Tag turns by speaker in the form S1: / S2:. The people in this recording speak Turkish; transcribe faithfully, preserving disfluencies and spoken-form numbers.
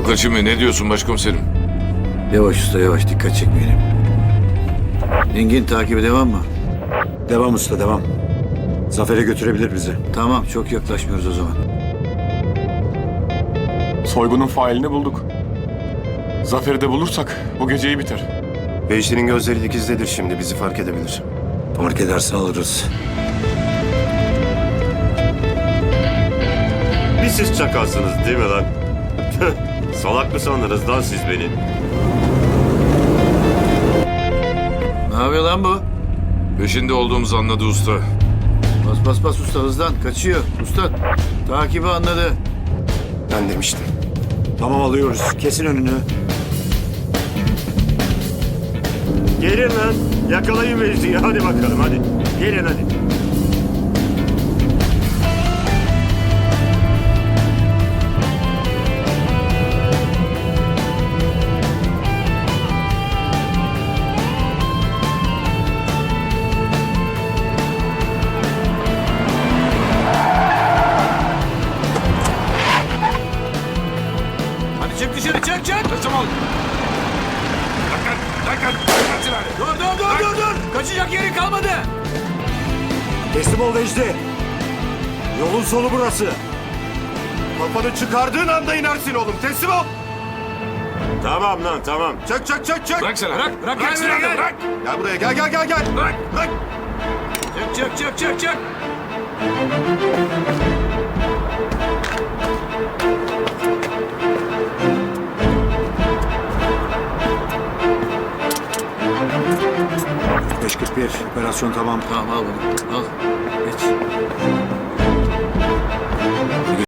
S1: Yok kaçırmıyor. Ne diyorsun başkomiserim?
S2: Yavaş usta yavaş, dikkat çekmeyelim. Engin, takibe devam mı?
S3: Devam usta devam. Zafer'e götürebilir bizi.
S2: Tamam, çok yaklaşmıyoruz o zaman.
S4: Soygunun failini bulduk. Zafer'i de bulursak bu geceyi biter.
S5: Vecdi'nin gözleri dikizdedir şimdi. Bizi fark edebilir.
S3: Fark ederse alırız.
S6: Bir siz çakalsınız değil mi lan? Salak mı sandınız lan siz beni?
S2: Ne yapıyor lan bu?
S1: Peşinde olduğumuzu anladı usta.
S2: Bas bas bas usta, hızlan, kaçıyor. Usta, takibi anladı.
S5: Ben demiştim.
S3: Tamam alıyoruz. Kesin önünü.
S6: Gelin lan. Yakalayın Vecdi'yi. Hadi bakalım hadi. Gelin hadi.
S2: Hadi çık dışarı, çık çık.
S1: Teslim ol. Dakika, dakika, dakika.
S2: Dur dur dur dur dur. Kaçacak yeri kalmadı.
S3: Teslim ol Vecdi. Yolun sonu burası.
S6: Kafanı çıkardığın anda inersin oğlum. Teslim ol. Tamam lan tamam.
S5: Çök çök çök çök.
S1: Bırak silahı. Bırak, bırak,
S2: Bırak,
S1: silahı,
S2: bırak.
S1: bırak.
S5: Gel buraya gel gel gel gel.
S1: Bırak.
S5: Bırak.
S2: Çık çık çık çık çık.
S3: beş kırk bir operasyon tamam.
S2: Tamam, al bunu, al. Geç.